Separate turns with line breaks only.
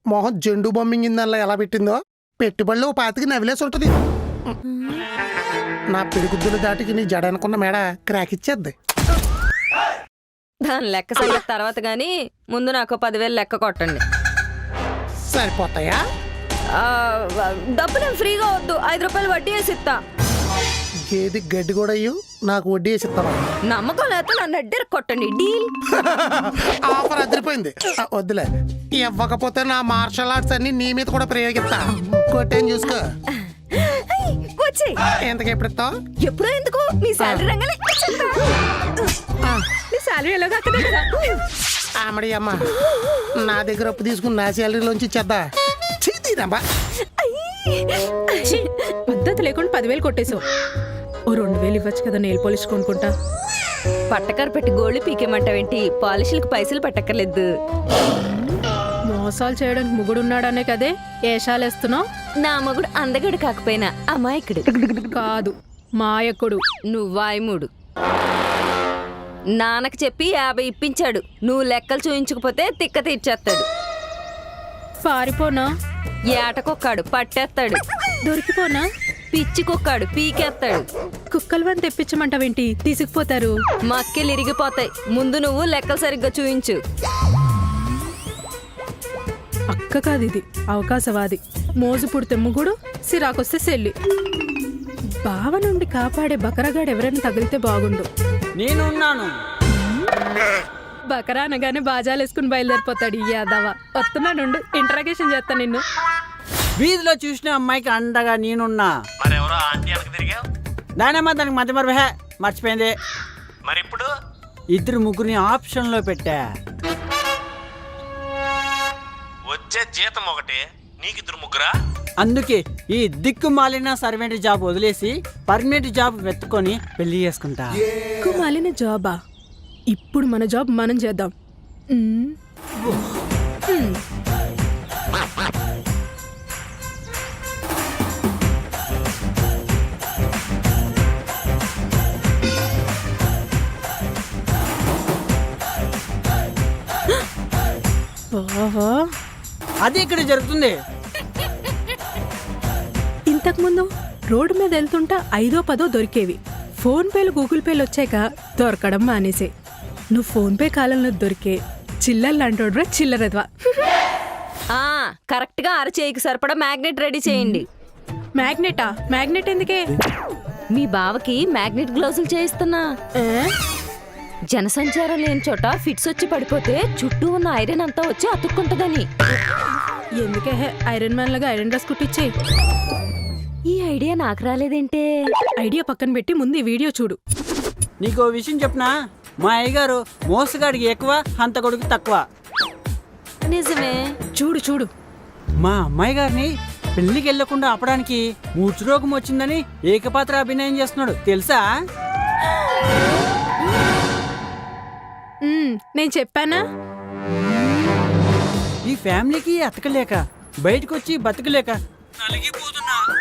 మొహం జెండు బొమ్మింగిందల్లా ఎలా పెట్టిందో పెట్టుబడులు పాతికి నవిలేసి ఉంటుంది. నా పిడిగుద్దులు దాటికి నీ జడ అనుకున్న మేడ క్రాక్ ఇచ్చేద్ది.
దాని లెక్క సంగతి తర్వాత గాని ముందు నాకు 10,000 లెక్క కొట్టండి.
సరిపోతాయా?
డబ్బులు ఫ్రీగా వద్దు, 5 రూపాయలు వడ్డీ వేసి ఇస్తా.
గేది గడ్డి కూడా అయ్యు, నాకు వడ్డీ వేసి ఇస్తావా?
నమ్మకం లేకపోతే నన్ను అడ్డెర కొట్టండి, డీల్.
ఆఫర్ అదిరిపోయింది. వద్దులే, ఇవ్వకపోతే నా మార్షల్ ఆర్ట్స్ అన్ని నీ మీద కూడా ప్రయోగిస్తా. కొట్టేం చూసుకో.
వచ్చి
ఎంతకు ఎప్పుడు ఇస్తావు?
ఎప్పుడో ఎందుకు, నీ శాలరీ రంగలే. నీ శాలరీ ఎలాగా కదా.
ఆమడి అమ్మ, నా దగ్గర అప్పు తీసుకుని నా శాలరీలోంచి ఇచ్చేద్దా? చీతీరమ్మా.
పద్ధతి లేకుండా 10,000 కొట్టేశావు. ఓ 2,000 ఇవ్వచ్చు కదా, నెయిల్ పాలిష్ కొనుక్కుంటా.
పట్టకారు పెట్టి గోల్డ్ పీకేమంటావేంటి? పాలిష్లకు పైసలు పట్టక్కర్లేదు.
మోసాలు చేయడానికి ముగుడున్నాడనే కదే ఏషాలేస్తున్నావు.
నా మగుడు అందగడు కాకపోయినా అమాయకుడు
కాదు, మాయకుడు.
నువ్వాయముడు. నాన్నకు చెప్పి 50 ఇప్పించాడు. నువ్వు లెక్కలు చూయించకపోతే తిక్క తీర్చేస్తాడు.
పారిపోనా?
ఏటకొక్కాడు పట్టేస్తాడు.
దొరికిపోనా?
పిచ్చి కుక్కాడు పీకేస్తాడు.
కుక్కలు వని తెప్పించమంటావేంటి? తీసుకుపోతారు.
మక్కెలు ఇరిగిపోతాయి. ముందు నువ్వు లెక్కలు సరిగ్గా చూయించు.
అక్క కాదు ఇది, అవకాశవాది. మోజు పుడితే ముగుడు, సిరాకొస్తే సెల్లి. బావ నుండి కాపాడే బకరగాడు ఎవరైనా తగిలితే బాగుండు.
నేనున్నాను.
బకరా అనగానే బాజాలేసుకుని బయలుదేరిపోతాడు ఈ యాదవ. వస్తున్నానుండు, ఇంటరాగేషన్ చేస్తా నిన్ను.
వీధిలో చూసిన అమ్మాయికి అండగా నేనున్నా. దానమ్మా దానికి మధ్య మర్చిపోయింది.
మరి ఇప్పుడు
2-3 ఆప్షన్లో పెట్టా.
వచ్చే జీతం ఒకటి, నీకు 2-3.
అందుకే ఈ దిక్కు మాలిన సర్వెంట్ జాబ్ వదిలేసి పర్మనెంట్ జాబ్ వెతుకొని పెళ్లి చేసుకుంటా.
మాలిన జాబా? ఇప్పుడు మన జాబ్ మనం చేద్దాం.
అది ఇక్కడ జరుగుతుంది.
ఇంతకుముందు రోడ్డు మీద వెళ్తుంటా 5ో 10ో దొరికేవి. ఫోన్ పేలు గూగుల్ పేలు వచ్చాక దొరకడం మానేసే. నువ్వు ఫోన్ పే కాలంలో దొరికే చిల్లర్లాంటోడ్రా చిల్లరద్వా.
కరెక్ట్ గా అరచేయికి సరిపడా మ్యాగ్నెట్ రెడీ చేయండి.
మ్యాగ్నెటా? మ్యాగ్నెట్ ఎందుకే?
మీ బావకి మ్యాగ్నెట్ గ్లౌజులు చేయిస్తున్నా. జనసంచారం లేని చోట ఫిట్స్ వచ్చి పడిపోతే చుట్టూ ఉన్న ఐరన్ అంతా వచ్చి అతుక్కుంటదని.
ఎందుకే ఐరన్ మ్యాన్ లాగా ఐరన్ డ్రెస్ కుట్టించే.
ఈ ఐడియా నాకు రాలేదేంటే?
ఐడియా పక్కన పెట్టి ముందు ఈ వీడియో చూడు.
నీకో విషయం చెప్పనా? మా అయ్యగారు మోసగాడికి ఎక్కువ, హంతకుడికి తక్కువ.
నిజమే.
చూడు చూడు.
మా అమ్మాయి గారిని పెళ్లికి వెళ్లకుండా ఆపడానికి మూర్ఛరోగం వచ్చిందని ఏకపాత్ర అభినయం చేస్తున్నాడు తెలుసా?
నేను చెప్పానా?
ఈ ఫ్యామిలీకి అతకలేక బయటకు వచ్చి బతకలేక నలిగిపోతున్నా.